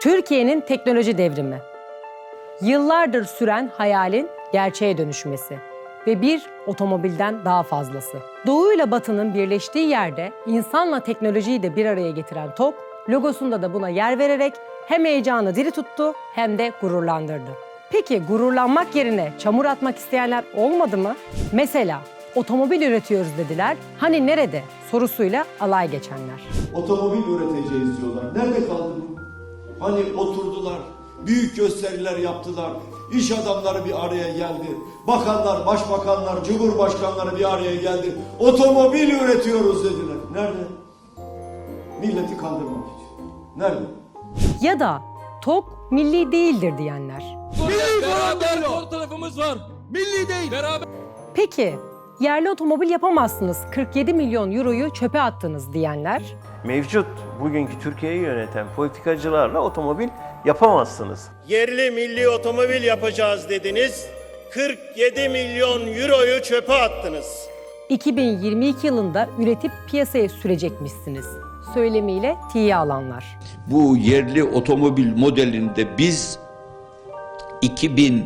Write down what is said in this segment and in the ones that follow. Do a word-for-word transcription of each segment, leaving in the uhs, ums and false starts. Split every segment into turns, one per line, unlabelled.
Türkiye'nin teknoloji devrimi. Yıllardır süren hayalin gerçeğe dönüşmesi ve bir otomobilden daha fazlası. Doğu ile Batı'nın birleştiği yerde insanla teknolojiyi de bir araya getiren TOG, logosunda da buna yer vererek hem heyecanı diri tuttu hem de gururlandırdı. Peki gururlanmak yerine çamur atmak isteyenler olmadı mı? Mesela otomobil üretiyoruz dediler, hani nerede sorusuyla alay geçenler.
Otomobil üreteceğiz diyorlar. Nerede kaldı bu? Hani oturdular, büyük gösteriler yaptılar, iş adamları bir araya geldi, bakanlar, başbakanlar, cumhurbaşkanları bir araya geldi. Otomobil üretiyoruz dediler. Nerede? Milleti kandırmak için. Nerede?
Ya da TOG milli değildir diyenler.
Milli beraber fotoğrafımız var. Milli değil. Beraber.
Peki yerli otomobil yapamazsınız, kırk yedi milyon euroyu çöpe attınız diyenler.
Mevcut bugünkü Türkiye'yi yöneten politikacılarla otomobil yapamazsınız.
Yerli milli otomobil yapacağız dediniz, kırk yedi milyon euroyu çöpe attınız.
iki bin yirmi iki yılında üretip piyasaya sürecekmişsiniz söylemiyle tiye alanlar.
Bu yerli otomobil modelinde biz iki bin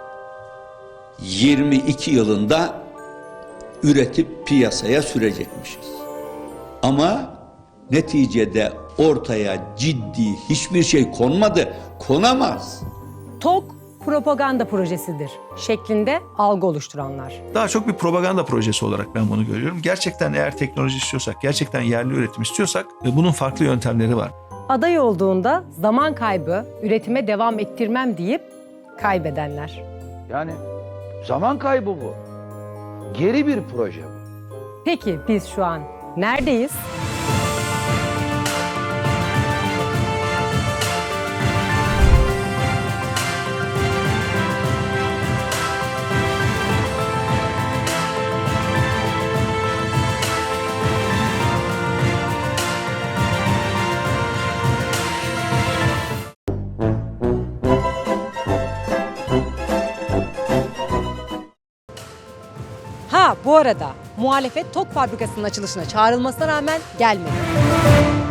yirmi iki yılında üretip piyasaya sürecekmişiz. Ama neticede ortaya ciddi hiçbir şey konmadı, konamaz.
TOG propaganda projesidir şeklinde algı oluşturanlar.
Daha çok bir propaganda projesi olarak ben bunu görüyorum. Gerçekten eğer teknoloji istiyorsak, gerçekten yerli üretim istiyorsak bunun farklı yöntemleri var.
Aday olduğunda zaman kaybı, üretime devam ettirmem deyip kaybedenler.
Yani zaman kaybı bu. Geri bir proje bu.
Peki biz şu an neredeyiz? Ha bu arada muhalefet TOG fabrikasının açılışına çağrılmasına rağmen gelmedi.